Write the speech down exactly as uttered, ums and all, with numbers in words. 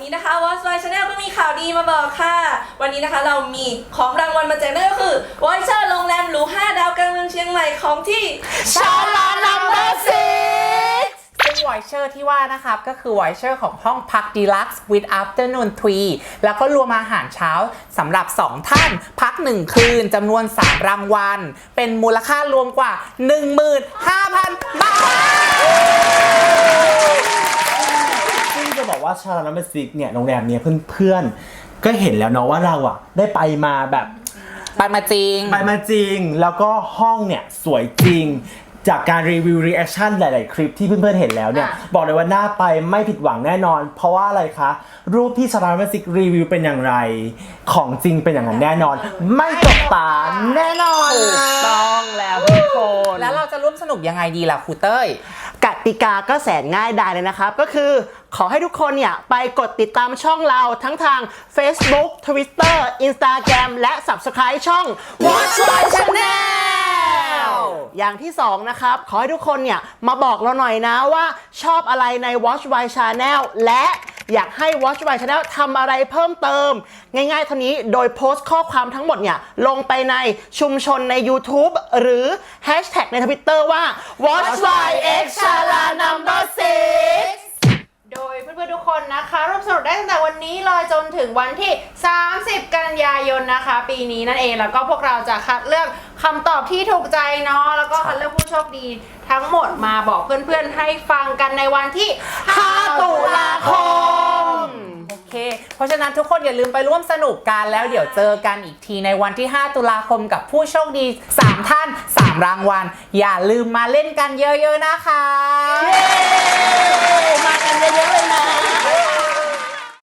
นี้นะคะ Watch My Channel ก็มีข่าวดีมาบอกค่ะวันนี้นะคะเรามีของรางวัลมาแจกนั่นก็คือวอยเชอร์โรงแรมหรูห้าดาวกลางเมืองเชียงใหม่ของที่ชาลานัมเบอร์ซิกซึ่งวอยเชอร์ที่ว่านะครับก็คือวอยเชอร์ของห้องพัก Deluxe with Afternoon Tea แล้วก็รวมอาหารเช้าสำหรับสองท่านพักหนึ่งคืนจำนวนสามรางวัลเป็นมูลค่ารวมกว่า หนึ่งหมื่นห้าพัน บาทซึ่งจะบอกว่าชาลานัมเบอร์ซิกเนี่ยโรงแรมเนี่ยเพื่อนๆก็เห็นแล้วเนาะว่าเราอะได้ไปมาแบบไปมาจริงไปมาจริงแล้วก็ห้องเนี่ยสวยจริงจากการรีวิวรีแอคชั่นหลายๆคลิปที่เพื่อนๆเห็นแล้วเนี่ยบอกเลยว่าน่าไปไม่ผิดหวังแน่นอนเพราะว่าอะไรคะรูปที่ชาลานัมเบอร์ซิกรีวิวเป็นอย่างไรของจริงเป็นอย่างนั้นแน่นอนไม่ตกตาแน่นอนต้องแล้วทุกคนแล้วเราจะร่วมสนุกยังไงดีล่ะครูเต้ยกติกาก็แสนง่ายดายเลยนะครับก็คือขอให้ทุกคนเนี่ยไปกดติดตามช่องเราทั้งทาง Facebook Twitter Instagram และ Subscribe ช่อง Watch My Channel อย่างที่สองนะครับขอให้ทุกคนเนี่ยมาบอกเราหน่อยนะว่าชอบอะไรใน Watch My Channel และอยากให้ Watch My Channel ทำอะไรเพิ่มเติมง่ายๆเท่านี้โดยโพสต์ข้อความทั้งหมดเนี่ยลงไปในชุมชนใน YouTube หรือ Hashtag ใน Twitter ว่า Watch My X Chala Number ซิกโดยเพื่อนๆทุกคนนะคะร่วมสนุกได้ตั้งแต่วันนี้เลยจนถึงวันที่สามสิบกันยายนนะคะปีนี้นั่นเองแล้วก็พวกเราจะคัดเลือกคำตอบที่ถูกใจเนาะแล้วก็คัดเลือกผู้โชคดีทั้งหมดมาบอกเพื่อนๆให้ฟังกันในวันที่ห้าตุลาคมโอเคเพราะฉะนั้นทุกคนอย่าลืมไปร่วมสนุกกันแล้วเดี๋ยวเจอกันอีกทีในวันที่ห้าตุลาคมกับผู้โชคดีสามท่านสามรางวัลอย่าลืมมาเล่นกันเยอะๆนะคะมากันเ